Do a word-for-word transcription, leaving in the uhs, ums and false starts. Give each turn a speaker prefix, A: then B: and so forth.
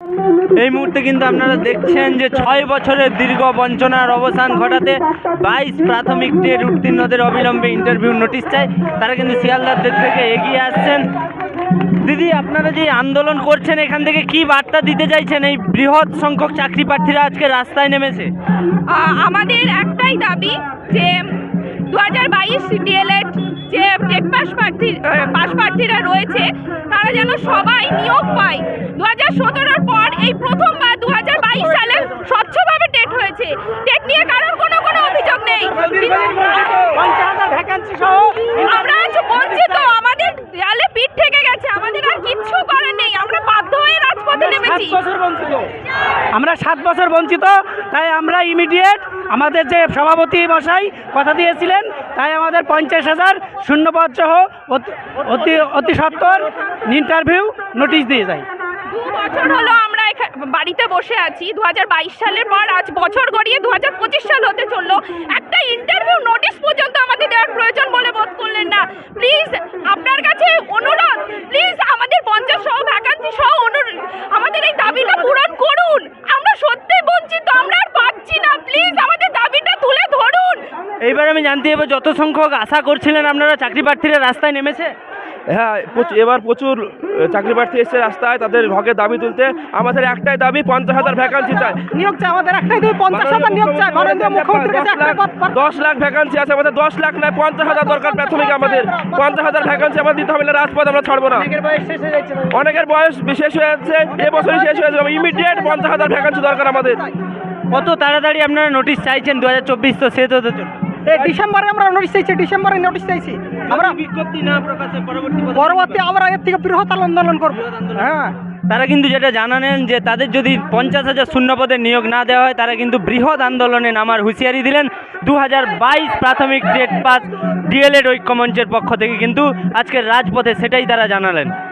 A: এই মুহূর্তে কিন্তু আপনারা দেখছেন যে ছয় বছরের দীর্ঘ বঞ্চনার অবসান ঘটাতে বাইশ প্রাথমিক টেট উত্তীর্ণদের অবিলম্বে ইন্টারভিউ নোটিশ চায়। তারা কিন্তু শিয়ালদার দিক থেকে এগিয়ে আসছেন। দিদি, আপনারা যে আন্দোলন করছেন এখান থেকে কি বার্তা দিতে চাইছেন? এই বৃহৎ সংখ্যক চাকরি প্রার্থীরা আজকে রাস্তায় নেমেছে।
B: আমাদের একটাই দাবি যে দু হাজার বাইশ ডিএলএড যে টেট পাস প্রার্থী পাস প্রার্থীরা রয়েছে তারা যেন সবাই নিয়োগ পায়। দু হাজার সতেরোর পর এই প্রথমবার দু হাজার বাইশ সালে স্বচ্ছভাবে টেট হয়েছে। টেট নিয়ে কারোর কোনো কোনো অভিযোগ নেই। আমরা আজ বঞ্চিত, আমাদের দেয়ালে পিঠ থেকে গেছে, আমাদের আর কিচ্ছু করার নেই। আমরা বাধ্য হয়ে রাজপথে নেমেছি।
C: আমরা সাত বছর বঞ্চিত, তাই আমরা ইমিডিয়েট আমাদের যে সভাপতি মশাই কথা দিয়েছিলেন তাই আমাদের পঞ্চাশ হাজার শূন্যপদ সহ অতি অতি সত্বর ইন্টারভিউ নোটিশ দিয়ে যায়।
B: দু বছর হলো আমরা বাড়িতে বসে আছি। দু হাজার বাইশ সালের পর আজ বছর গড়িয়ে দু হাজার পঁচিশ সাল হতে চললো। একটা ইন্টারভিউ নোটিশ পর্যন্ত আমাদের দেওয়ার প্রয়োজন বলে বোধ করলেন না। প্লিজ আপনার কাছে অনুরোধ, প্লিজ আমাদের পঞ্চাশ সহ ভ্যাকান্সি সহ আমাদের এই দাবিটা পূরণ করুন। আমরা সত্যি বঞ্চিত, আমরা আর পাচ্ছি না। প্লিজ আমাদের দাবিটা তুলে ধরুন।
A: এইবার আমি জানতে চাইবো, যত সংখ্যক আশা করছিলেন আপনারা চাকরি প্রার্থীরা রাস্তায় নেমেছে?
D: হ্যাঁ, এবার প্রচুর চাকরি প্রার্থী এসছে রাস্তায় তাদের হকের দাবি তুলতে। আমাদের একটাই দাবি, পঞ্চাশ হাজার ভ্যাকান্সি চাই,
C: নিয়োগ চাই। আমাদের একটাই দাবি, পঞ্চাশ হাজার নিয়োগ চাই। মাননীয় মুখ্যমন্ত্রীর কাছে একটা কথা,
D: দশ লাখ ভ্যাকান্সি আছে আমাদের, দশ লাখ নয় পঞ্চাশ হাজার দরকার প্রাথমিক। আমাদের পঞ্চাশ হাজার ভ্যাকান্সি আমাদের দিতে হবে, না রাজপথ আমরা ছাড়বো না। অনেকের বয়স শেষ হয়ে যাচ্ছে, এবছরই শেষ হয়ে যাবে। ইমিডিয়েট পঞ্চাশ হাজার ভ্যাকান্সি দরকার আমাদের।
A: কত তাড়াতাড়ি আপনারা নোটিশ চাইছেন? দু হাজার চব্বিশ তো শেষ হতে চলছে।
C: ডিসেম্বরে আমরা নোটিশ চাইছি, ডিসেম্বরে নোটিশ চাইছি আমরা।
A: বিজ্ঞপ্তি না প্রকাশে পরবর্তী
C: পরবর্তী আমরা এর থেকে বৃহৎ আন্দোলন করবো। হ্যাঁ,
A: তারা কিন্তু যেটা জানালেন যে তাদের যদি পঞ্চাশ হাজার শূন্য পদে নিয়োগ না দেওয়া হয় তারা কিন্তু বৃহৎ আন্দোলনে নামার হুঁশিয়ারি দিলেন। দু হাজার বাইশ প্রাথমিক টেট পাস ডিএলএড ঐক্যমঞ্চের পক্ষ থেকে কিন্তু আজকের রাজপথে সেটাই তারা জানালেন।